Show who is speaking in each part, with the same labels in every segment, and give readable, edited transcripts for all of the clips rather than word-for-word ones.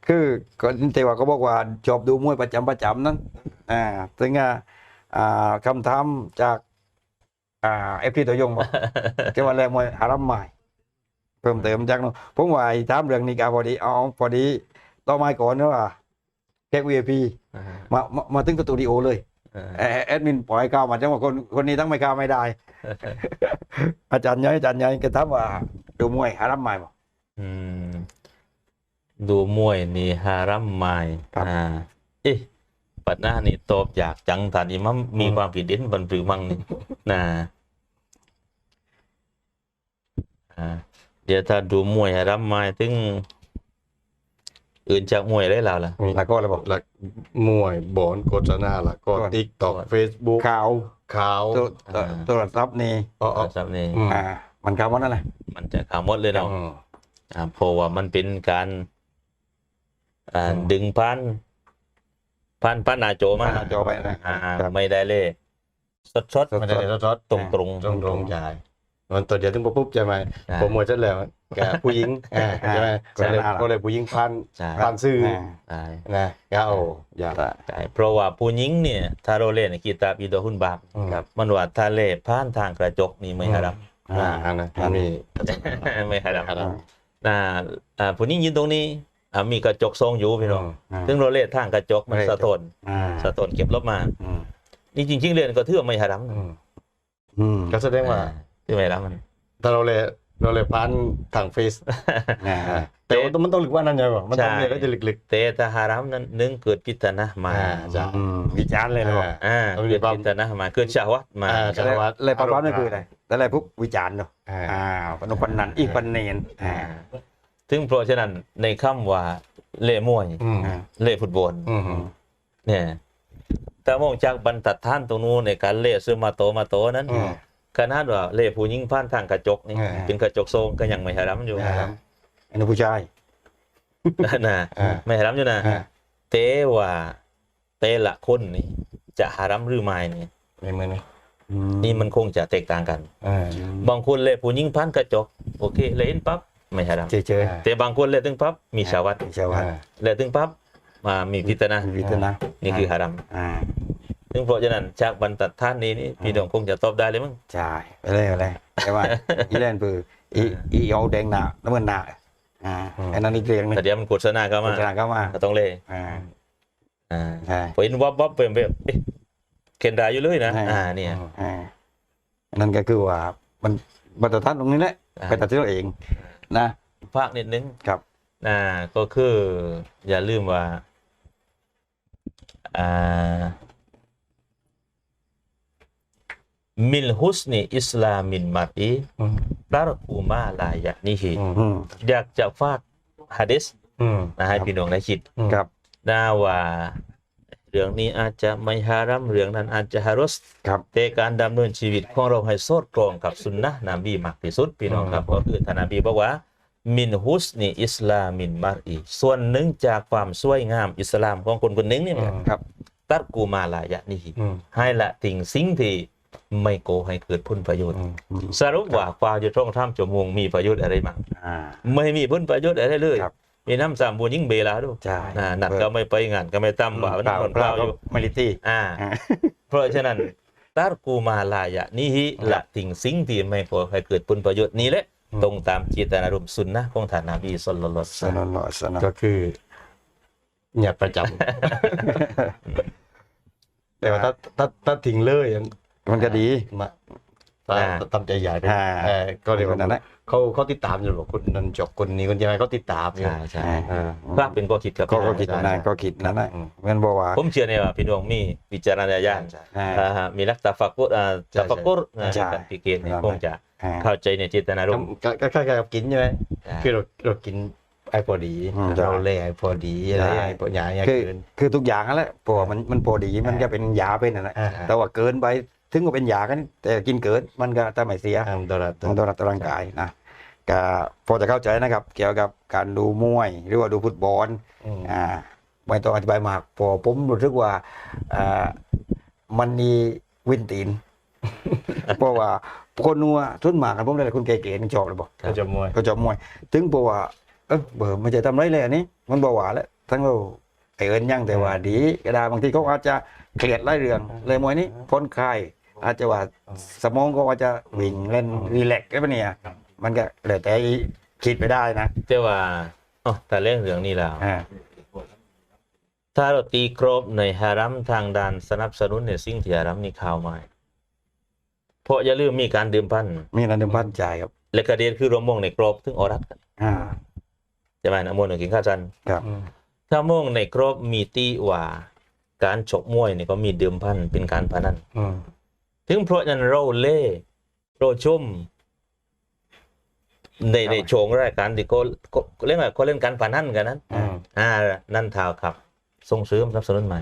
Speaker 1: คือก็แต่ว่าก็บอกว่าชอบดูมวยประจำนั้นซึ่งคำถามจากFT ตัวยงบอกแกว่าแรงมวยอารัมใหม่เพิ่มเติมจากนู้นผมว่าถามเรื่องนี้ก็พอดีพอดีต่อมาก่อนนะว่าแขก VIP มาถึงสตูดิโอเลยแอดมินปล่อยข่าวมาจังว่าคนนี้ตั้งไม่ข่าวไม่ได้ อาจารย์ย้อยก็ถามว่าดูมวยอารัมใหม่บอก
Speaker 2: ดูมวยนี่ฮารัมไมายปัดหน้านี่ตอบอยากจังฐานอิมัมมีความผิดเด่นบันปรือมั่งนี่นะเดี๋ยวถ้าดูมวยฮารัมไมายถึงอื่นจากมวยได้แล้วล่ะ
Speaker 1: แล้วก็อะไรบอก
Speaker 3: แล้วมวยบอลโฆษณาแล้วก็ TikTok Facebook
Speaker 1: ข่าว โทรศัพท์นี่
Speaker 2: สับนี่
Speaker 1: มันข่าวว่านั่นแหละ
Speaker 2: มันจะข่าวหมดเลยเนาะเพราะว่ามันเป็นการดึงพันนาโจมา
Speaker 1: หน้าจอไปนะ
Speaker 2: ไม่ได้เลยสด
Speaker 3: ไม่ได้รถ
Speaker 2: ตรง
Speaker 3: ตรงจ่ายมันตัวเดียวถึงปุ๊บใช่ไหมโปรโมทเสร็จแล้วแกผู้หญิงใช่ไหมก็เลยผู้หญิงพันซื้อ
Speaker 2: ใช่
Speaker 3: นะก็อย่า
Speaker 2: ใช่เพราะว่าผู้หญิงเนี่ยถ้าเราเล่นกีตาร์อีโดหุนบาปครับมันว่าถ้าเล่นผ่านทางกระจกนี่ไม่ฮารัม
Speaker 3: มันมี
Speaker 2: ไม่ฮารัมผู้หญิงยืนตรงนี้มีกระจกทรงอยู่พี่น้องซึ่งเราเล่นทางกระจกมันสะท้อนเก็บลบมานี่จริงๆเรียนก็ถือว่าไม่ฮารัม
Speaker 3: ก็แสดงว่า
Speaker 2: ที่ไม่ฮารัมมัน
Speaker 3: ถ้าเราเลยพันทางเฟซแต่ว่ามันต้องลึกว่านั่นไงวะมันต้องเรียนก็จะลึก
Speaker 2: แต่ถ้าฮารัมนั้นนึงเกิดพิจารณามา
Speaker 3: จะ
Speaker 1: วิจารณ์เลยนะบอก
Speaker 2: เกิดพิจารณามาเกิดชาววัดมา
Speaker 1: เลยประวัตินั่นคืออะไรแต่อะไรพวกวิจารณ์เนาะปนปันนันอีกปันเนน
Speaker 2: ถึงเพราะฉะนั้นในคำว่าเล่มวยเล่ฟุตบอลเนี่ยแต่มองจากบรรทัดท่านตรงนู้นในการเล่ซื้อมาโตนั้นขนาดว่าเล่ผู้หญิงผ่านทางกระจกนี่เป็นกระจกทรงก็ยังไม่ฮารัมอยู่
Speaker 1: อันนี้ผู้ชาย
Speaker 2: นะไม่ฮารัมอยู่นะแต่ว่าแต่ละคนนี่จะฮารัมหรือไม่นี่
Speaker 3: ไม่เหมือน
Speaker 2: นี่มันคงจะแตกต่างกันบางคนเล่ผู้หญิงผ่านกระจกโอเคเล่นปั๊บไม่ฮารัม
Speaker 1: เจอ
Speaker 2: แต่บางคนเล่นถึงปั๊บมีชาวัดเล่นถึงปั๊บมามีพิจารณานี่คือฮารัมซึ่งเพราะฉะนั้นจากบรรทัดท่านนี้นี่พี่น้องคงจะตอบได้เลยมั้ง
Speaker 1: ใช่ไปเลยแต่ว่าอีเล่นปืออีเอาแดงหนาน้ำเงินหนาอันนั้นอีกเรื่องนึง
Speaker 2: แต่เดี๋ยวมันโฆษณาเข้ามาก็ต้องเล่พออินวับเป็นแบบเคนดาอยู่เลยนะเนี่ย
Speaker 1: นั่นก็คือว่ามันบรรทัดท่านตรงนี้แหละไปตัดสินเองนะ
Speaker 2: ภาคนิดนึง
Speaker 1: ครับ
Speaker 2: ก็คืออย่าลืมว่ามิลฮุสนีอิสลามินมารีตารกูมาลายะนี่ฮีอยากจะฝากฮะดิษให้พี่น้องได้คิด
Speaker 1: ครับ
Speaker 2: ว่าเรื่องนี้อาจจะไม่ฮารัมเรื่องนั้นอาจจะฮารุสแต่การดำเนินชีวิตของเราให้สอดคล้องกับสุนนะนบีมากที่สุดพี่น้องครับก็คือท่านนบีบอกว่ามินฮุสนีอิสลามินมารีส่วนหนึ่งจากความสวยงามอิสลามของคนคนหนึ่งนี่
Speaker 1: ครับ
Speaker 2: ตัดกูมาลายะนี่ให้ละทิ้งสิ่งที่ไม่โกให้เกิดผลประโยชน์สรุปว่าความจะต้องทำจมูกมีประโยชน์อะไรบ้างไม่มีผลประโยชน์อะไรเลยมีน้ำสามบุญยิ่งเบลาด้วยนัดก็ไม่ไปงานก็ไม่ตั้มว่าวันนี้คนเปล่าอยู่
Speaker 1: ไม่ลิตี้
Speaker 2: เพราะฉะนั้นตารกูมาลายะนี่ละทิ้งสิ่งที่ไม่โกให้เกิดผลประโยชน์นี้แหละตรงตามเจตนารมณ์สุนนะของท่านนบีศ็อลลัลลอฮุอะลัยฮิวะซัลลัม
Speaker 3: ก็คือเนี่ยประจำแต่ว่าถ้าทิ้งเลย
Speaker 1: มันก็ดี
Speaker 3: ทำใจใหญ่ไปก็เรียกว่านั้นเขาติดตามอยู่หรอกคนนั้นจบคนนี้คนยังไงเขาติดตาม
Speaker 2: ใช่ภาพเป็นก็คิดครับ
Speaker 1: ก็คิดนั่นก็คิดนั่นนะเงินบอกว่า
Speaker 2: ผมเชื่อเนี่ยว่าพี่น้องมีวิจารณญาณมีรักตาฟักกุการพิจารณาคงจะเข้าใจในเจตนารมณ์
Speaker 3: ก็คล้ายๆกับกินใช่ไหมคือเรากินไอ้พอดีเราเล่ไอ้พอดีอะไรไอ้พอใหญ่
Speaker 1: คือทุกอย่างนั่นแหละพอมันพอดีมันจะเป็นยาเป็นอะไรแต่ว่าเกินไปถึงก็เป็นยากันแต่กินเกินมันก็จะไม่เสียต่อร่างกายนะก็พอจะเข้าใจนะครับเกี่ยวกับการดูมวยหรือว่าดูฟุตบอลไม่ต้องอธิบายมากพอผมรู้สึกว่ามันมีวินตีนเพราะว่าคนนัวทุนหมากกันผมเลยคุณเก๋ๆชอบเลยบอก
Speaker 3: เขาจบมวย
Speaker 1: ถึงบอกว่าเบอร์ไม่ใช่ทำไรเลยอันนี้มันบอกว่าแล้วทั้งเราไอเอิญยังแต่ว่าดีก็ได้บางทีเขาอาจจะเครียดไล่เรื่องเลยมวยนี้พ้นคลายอาจจะว่าสมองก็อาจจะวิ่งเล่นรีแลกซ์ก็เนี่ยมันก็เลยแต่คิดไปได้นะ
Speaker 2: แต่ว่าอ๋อแต่เรื่องนี้แล้ว
Speaker 1: อ่า
Speaker 2: ถ้าเราตีกรอบในฮารัมทางด้านสนับสนุนในสิ่งที่ฮารัมนี่ข่าวมาเพราะอย่าลืมมีการดื่มพัน
Speaker 1: มีนันดื่มพันจ่ายครับ
Speaker 2: และกระเด็นคือรวมมงในกรอบถึงออรัดกัน
Speaker 1: อ่า
Speaker 2: ใช่ไหมนะมวลหนึ่งกินข้าวจัน
Speaker 1: ครับ
Speaker 2: ถ้ามงในกรอบมีตีว่าการชกมวยนี่ก็มีดื่มพันเป็นการพนันถึงเพราะฉะนั้นเราเล่เราชมในโชงรายการที่ก็เล่นอะไรเขาเล่นการพนันกันนั้นนั่นเท่าครับส่งเสริมสนับสนุนใหม่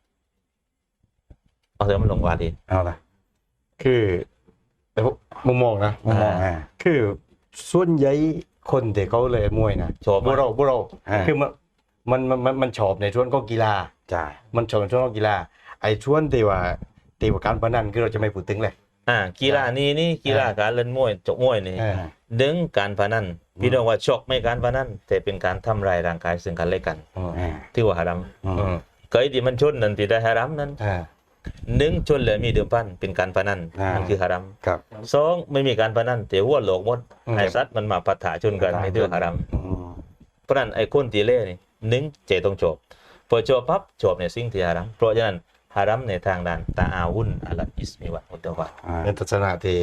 Speaker 2: เอาเถอะมันลงวาดี
Speaker 1: เอาละ
Speaker 3: คือแต่มุมมองนะ
Speaker 1: มุมมอง
Speaker 3: คือส่วนใหญ่คนที่เขาเลยมวยนะ
Speaker 2: ชอบ
Speaker 3: บุเรา
Speaker 1: อ่า
Speaker 3: คือมันชอบในช่วงของกีฬา
Speaker 1: จ่าย
Speaker 3: มันชอบในช่วงของกีฬาไอ้ช่วงที่ว่าการพนันคือเราจะไม่พูดถึงเลย
Speaker 2: กีฬานี่กีฬาการเล่นมวยจกมวยนี่ ดึงการพนันพี่น้องว่าชกไม่การพนันแต่เป็นการทำลายร่างกายซึ่งกันและกันที่ว่าฮารัมเคยที่มันชนนั่นที่ได้ฮารัมนั้นหนึ่งชนเลยมีเดิมพันเป็นการพนันมันคือฮารัม
Speaker 1: ครับ
Speaker 2: สองไม่มีการพนันแต่หัวโหลกหมดไอ้สัตว์มันมาปะทะชนกันในที่ว่าฮารัมเพราะนั้นไอ้คนตีเล่นี่หนึ่งเจต้องจบพอจบปั๊บจบในสิ่งที่ฮารัมเพราะฉะนั้นฮารัมในทางด้านตาอาวุนอัลอิสมิวะอุตตะวะ
Speaker 3: ในทัศนะที่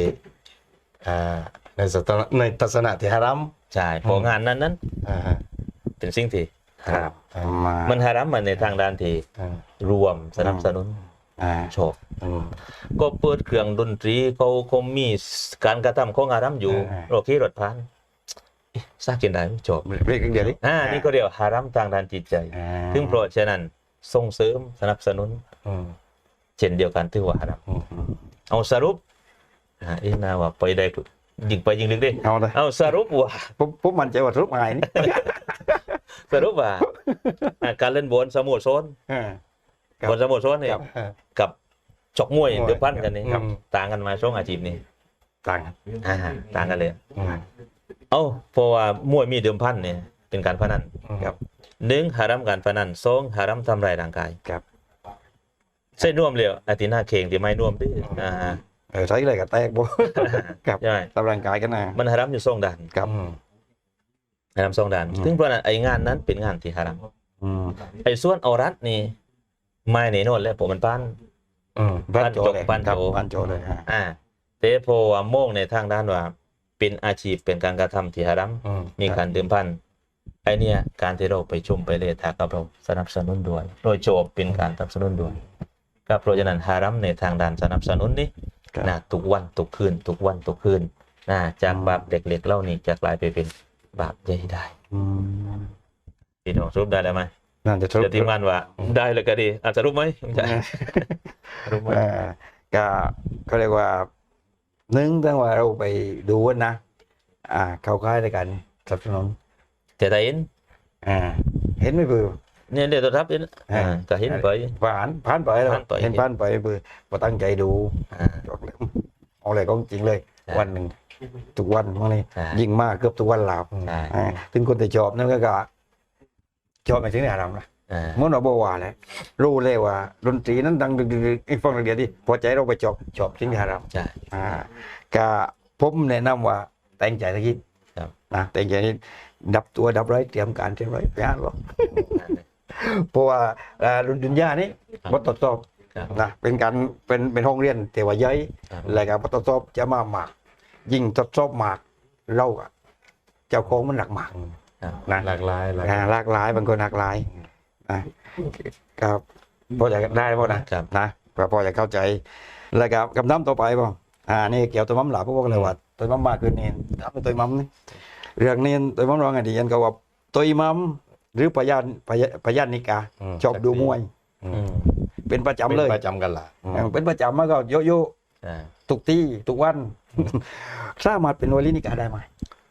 Speaker 3: ในทัศนะที่ฮารัม
Speaker 2: ใช่พองานนั้นเป็นสิ่งที่ฮารัมมันฮารัมมันในทางด้านที่รวมสนับสนุนชอบก็เปิดเครื่องดนตรีเขามีการกระทำของฮารัมอยู่โอเครถพันซากินได้จบ
Speaker 1: เรียกเดียวนี้
Speaker 2: นี่ก็เรียกฮารัมทางด้านจิตใจถึงเพราะฉะนั้นส่งเสริมสนับสนุนเช่นเดียวกันที่ว่าฮารัมเอาสรุปนาว่าไปได้ยิงไปยิงลึกดิ
Speaker 1: เอาเลย
Speaker 2: เอาสรุปว่า
Speaker 1: ปุ๊บมันใจว่าทุกไงนี่
Speaker 2: สรุปว่าการเล่นบอลสโมสรบอลสโมสรเนี่ยกับชกมวยเดือดพันกันนี่ต่างกันมาช่วงอาชีพนี้
Speaker 1: ต่างกัน
Speaker 2: ต่างกันเลยเอาเพราะว่ามวยมีเดิมพันเนี่ยเป็นการพนัน
Speaker 1: ครับ
Speaker 2: หนึ่งหารัมการพนันสองหารัมทำลายร่างกาย
Speaker 1: ครับ
Speaker 2: เส้นน่วมเร็วอาทิตย์หน้าเข่งที่ไม่น่วมด้วย
Speaker 1: ใช้อะไรกับแตกบ่ครับ
Speaker 2: ใช่
Speaker 1: ตำร่างกายกันนะ
Speaker 2: มันหารัมอยู่สองด่าน
Speaker 1: ครับ
Speaker 2: หารัมสองด่านถึงเพราะนั้นไอ้งานนั้นเป็นงานที่หารัมไอ้ส่วนเอารัดนี่ไม่แน่นอนแล้วผมมันปั้น
Speaker 1: บ้านโจเลย
Speaker 2: บ้านโจ
Speaker 1: บ้านโจเลย
Speaker 2: แต่พอว่าโมงในทางด้านว่าเป็นอาชีพเป็นการกระทำที่หารัมมีการดื่มพันไอเนี่ยการที่เราไปชมไปเลยถ้ากับเราสนับสนุนด้วยโดยโจบเป็นการสนับสนุนด้วยก็เพราะฉะนั้นฮารัมในทางด้านสนับสนุนนี่นะทุกวันทุกคืนทุกวันทุกคืนนะจากบาปเด็กๆเล่านี่จะกลายไปเป็นบาปใหญ่ได้พี่น้องสรุปได้แล้วไหม
Speaker 1: นั่นจะทุก
Speaker 2: เดี๋ยวทีมงานว่าได้เลยก็ดีอาจจะรู้ไหมไม่ใช่รู้ไหม
Speaker 1: ก็เรียกว่าหนึ่งตั้งว่าเราไปดูนะเข้าค่ายด้วยกันสนับสนุน
Speaker 2: แต่ได้เห็น
Speaker 1: เห็นไม่เบื่อ
Speaker 2: เนี่ยเดี๋ยวตัวทับเห็นก็เห็นไป
Speaker 1: ผ่านไปแล้ว
Speaker 2: ผ่านไป
Speaker 1: เห็นผ่านไปเบื่อพอตั้งใจดูจบเลยเอาอะไรก็จริงเลย วันหนึ่งทุกวันพวกนี้ยิ่งมากเกือบทุกวันลาวถึงคนที่ชอบนั่นก็ชอบในสิ่งที่ทำนะเมื่อเราบอกว่าแหละรู้เลยว่าดนตรีนั้นดังดึกๆอีกฟังเดียวที่พอใจเราไปชอบสิ่งที่ทำ
Speaker 2: ใช่
Speaker 1: ก็ผมแนะนำว่าแต่งใจสักทีนะแต่งใจนี่ดับตัวดับไรเตรียมการเตรียมไรไปอ่านหรอกเพราะว่าดุนยานี้บททดสอบนะเป็นการเป็นห้องเรียนแต่ว่าย่อยแล้วก็บททดสอบจะมาหมากยิ่งทดสอบหมากเราเจ้าของมันหลักหมากนะ
Speaker 3: หลากหลาย
Speaker 1: หลากหลายบางคนหลากหลายนะครับพอจะได้ป่ะนะพอจะเข้าใจแล้วก็กับน้ำต่อไปป่ะนี่เกี่ยวตัวมั่มหล่ะพวกเลยว่าตัวมั่มมากขึ้นนี่ทำเป็นตัวมั่มนี่เรื่องนี้ตัวมั่มร้องไงดียันก็ว่าตัวมั่มหรือพยานนิกาชอบดูมวยเป็นประจำเลย
Speaker 3: ประจำกันล่ะ
Speaker 1: เป็นประจำมาก็โยทุกที่ทุกวันสามารถเป็นวลีนิกาได้ไหม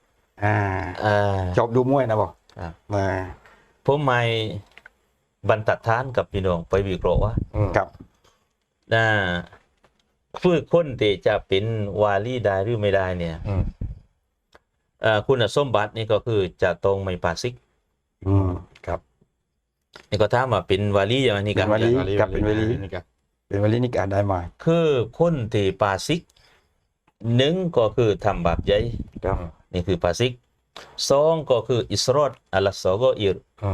Speaker 1: ชอบดูมวยนะบอก
Speaker 2: ผมไม่บรรทัดฐานกับพี่น้องไปวิเคราะห์ว่า
Speaker 1: ครับ
Speaker 2: ผู้คนที่จะเป็นวาลีได้หรือไม่ได้เนี่ยคุณสมบัตินี่ก็คือจะตรงไม่ปาซิก
Speaker 1: ครับ
Speaker 2: นี่ก็ถามว่าเป็นวาลีอย่างนี้
Speaker 1: เป็
Speaker 2: กัน
Speaker 1: วาลี กับ
Speaker 3: เป็นวลีนี่ครับ
Speaker 1: เป็นวลีนิกายได้ไหม
Speaker 2: คือคนที่ปาซิกหนึ่งก็คือทำบาปใหญ่
Speaker 1: ครับ
Speaker 2: นี่คือปาซิกสองก็คืออิสรอดอัลสอโกอิร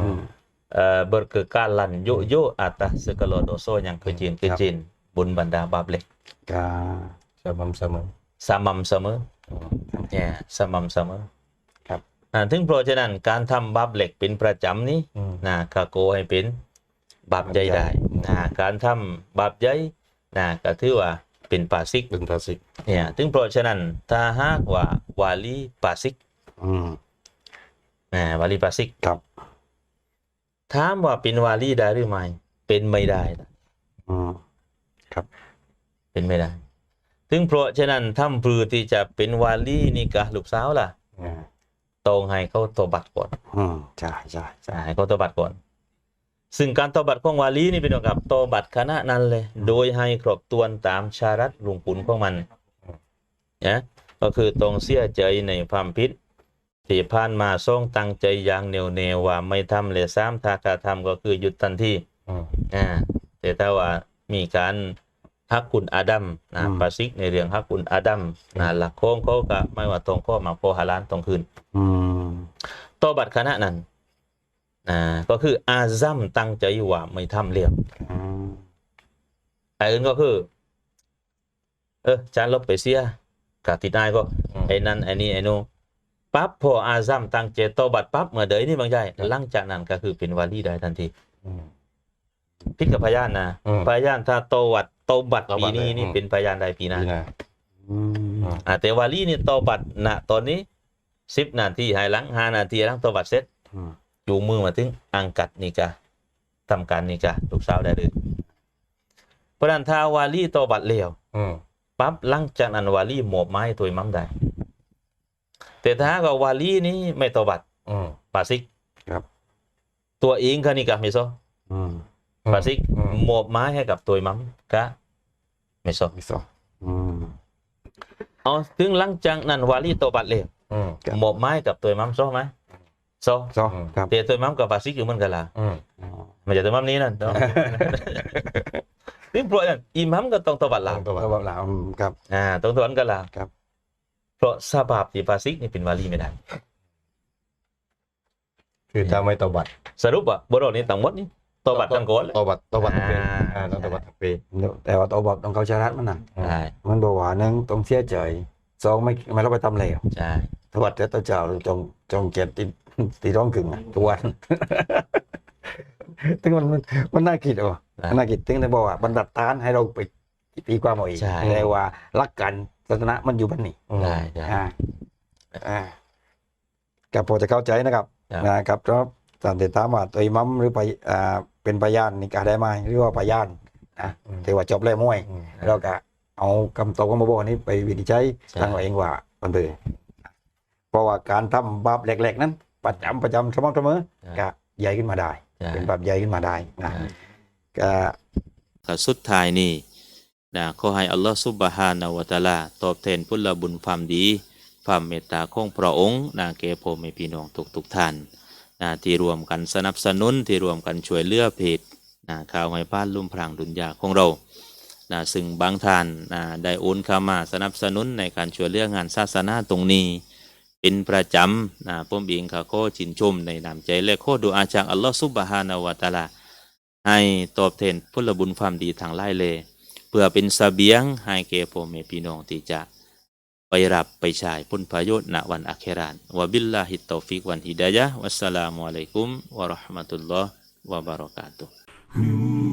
Speaker 2: berkekalan yo atas segala dosa yang kecil-kecil bun banda bab lek
Speaker 1: กา
Speaker 3: สม่ำเสมอ
Speaker 2: samam sama เนี่ย samam sama
Speaker 1: ครับ
Speaker 2: ถึงเพราะฉะนั้นการทำบาปเหล็กเป็นประจำนี้นะก็โกให้เป็นบาปใหญ่ได้นะการทำบาปใหญ่นะก็ถือว่าเป็นปาซิก
Speaker 3: เป็นภาษิก
Speaker 2: เนี่ยถึงเพราะฉะนั้นถ้าหากว่าวาลีปาซิก
Speaker 1: อืม
Speaker 2: วาลีปาซิก
Speaker 1: ครับ
Speaker 2: ถามว่าเป็นวาลีได้หรือไม่เป็นไม่ได้
Speaker 1: อืม
Speaker 2: เป็นไม่ได้ ถึงเพราะฉะนั้นทำปรือที่จะเป็นวาลีนี่กะลูกสาวล่ะ
Speaker 1: อ่า
Speaker 2: ต้องให้เขาตบัดก่อน
Speaker 1: ใช่ใช่ใช่
Speaker 2: ให้เขาตบัดก่อน ซึ่งการตบัดของวาลีนี่เป็นเกี่ยวกับตบัดคณะนั้นเลย โดยให้ครบถ้วนตามชารัตลุงปุนของมันนะก็คือต้องเสียใจในความผิดที่ผ่านมาทรงตั้งใจอย่างแน่วแน่ว่าไม่ทำเลยซ้ำถ้าการทำก็คือหยุดทันทีแต่ถ้าว่ามีการฮักคุณอาดัมนะปาซิกในเรื่องฮักคุณอาดัมนะหลักโค้งเขาก็ไม่ว่าตรงข้อมาโพฮาลานตรงคืน
Speaker 1: อืม
Speaker 2: โตบัดคณะนั้นก็คืออาซัมตั้งใจว่าไม่ทำเลี้ยง
Speaker 1: อืม
Speaker 2: ไอ้อื่นก็คือจานลบไปเสียกติดได้ก็ไอ้นั่นไอ้นี่ไอ้นู้นปั๊บพออาซัมตั้งใจโตบัดปั๊บเมื่อเดยนี่บางใจหลังจากนั้นก็คือเป็นวาลีได้ทันทีพิดกับพยานนะพยานถ้าโตบัดปีนี้นี่เป็นพยานใดปีหน้า
Speaker 1: อืม
Speaker 2: แต่วาลีนี่โตบัดณตอนนี้10 นาทีให้หลัง5 นาทีหลังโตบัดเสร็จ
Speaker 1: อืม
Speaker 2: จูงมือมาถึงอังกัดนี่กะทำการนี่กะลูกสาวได้เลยเพราะนั้นถ้าวาลีโตบัดเลี้ยวปั๊บหลังจากนั้นวาลีหมอบไม้ตัวมั่มได้แต่ถ้าก็วาลีนี้ไม่โตบัดปาซิก
Speaker 1: ครับ
Speaker 2: ตัวเองก็นี่กะไม่โซ
Speaker 1: อืม
Speaker 2: ปาซิกหมอบไม้ให้กับตัวมั่มกะไม่โซ
Speaker 1: มิโซะอืม
Speaker 2: เอาถึงหลังจากนั้นวาลีโตบัดเลี้ยว
Speaker 1: ครับ
Speaker 2: หมอบไม้กับตัวมั่มโซไหมโซ
Speaker 1: โซครับ
Speaker 2: แต่ตัวมั่มกับปาซิกอยู่เหมือนกันล่ะ
Speaker 1: อ๋อ
Speaker 2: ไม่ใช่ตัวมั่มนี้นั่นเนาะ ซึ่งเพราะอย่างอิหมัมก็ต้องตบัดหลัง
Speaker 1: ก็แบบหลามครับ
Speaker 2: ต้องตบัดกันหลัง
Speaker 1: ครับ
Speaker 2: เพราะซาบาบที่ปาซิกนี่เป็นวาลีไม่ได้
Speaker 3: คือถ้าไม่ตบัด
Speaker 2: สรุปว่าบทนี้ทั้งหมดนี่ตบัดทั้งโกนเลย
Speaker 3: ตบัดทั้งปี
Speaker 2: อ่า
Speaker 3: ต้องตบัดทั้งปี
Speaker 1: แต่ว่าตัวบอกต้องเขาชารัดมันน่ะ
Speaker 2: ใช่
Speaker 1: มันบอกว่าหนึ่งต้องเสียใจสองไม่เราไปทำเลว
Speaker 2: ใช่
Speaker 1: ทวัดแต่ตัวเจ้าจงเกียรติตีร้องกึ่งอะทุกวัน ถึงมันน่าคิดอ่ะมันน่าคิดถึงได้บอกว่าบรรดัดตานให้เราไปตีความเอาเองแต่ว่ารักกันศาสนามันอยู่บ้านนี้
Speaker 2: ใช่ใช่
Speaker 1: กับพอจะเข้าใจนะครับ
Speaker 2: ครับ
Speaker 1: นะครับเพราะตามที่ถามว่าตัวอิหมัมหรือเป็นพยานนี่กาได้ไหมหรือว่าพยานนะถือว่าจบแล้วมวยเราก็เอาคำตอบของมาบอกนี้ไปวินิจฉัยทางเราเองว่ามันเป็นเพราะว่าการทำบาปเล็กๆนั้นประจำสม่ำเสมอก็ใหญ่ขึ้นมาได้ เป็นบาปใหญ่ขึ้นมาได้นะก็
Speaker 2: สุดท้ายนี่นะขอให้อัลลอฮฺซุบฮานะฮูวะตะอาลาตอบแทนผลบุญความดีความเมตตาของพระองค์นะแก่พ่อแม่พี่น้องทุกท่านนะที่รวมกันสนับสนุนที่รวมกันช่วยเหลือเพจนะข่าวให้บ้านลุ่มพรางดุนยาของเรานะซึ่งบางท่านนะได้โอนเข้ามาสนับสนุนในการช่วยเหลืองานศาสนาตรงนี้เป็นประจำนะผมเองก็ขอชื่นชมในน้ำใจและขอดุอาจากอัลลอฮฺซุบฮานะฮูวะตะอาลาให้ตอบแทนผลบุญความดีทางหลายเลยเพื่อเป็นเสบียงให้แก่พ่อแม่พี่น้องที่จะไปรับไปใช้ผลประโยชน์ณวันอาคิเราะห์วะบิลลาฮิตตอฟิกวันฮิดายะฮ์วัสสลามุอะลัยกุมวะเราะห์มะตุลลอฮ์วะบะเราะกาตุฮ์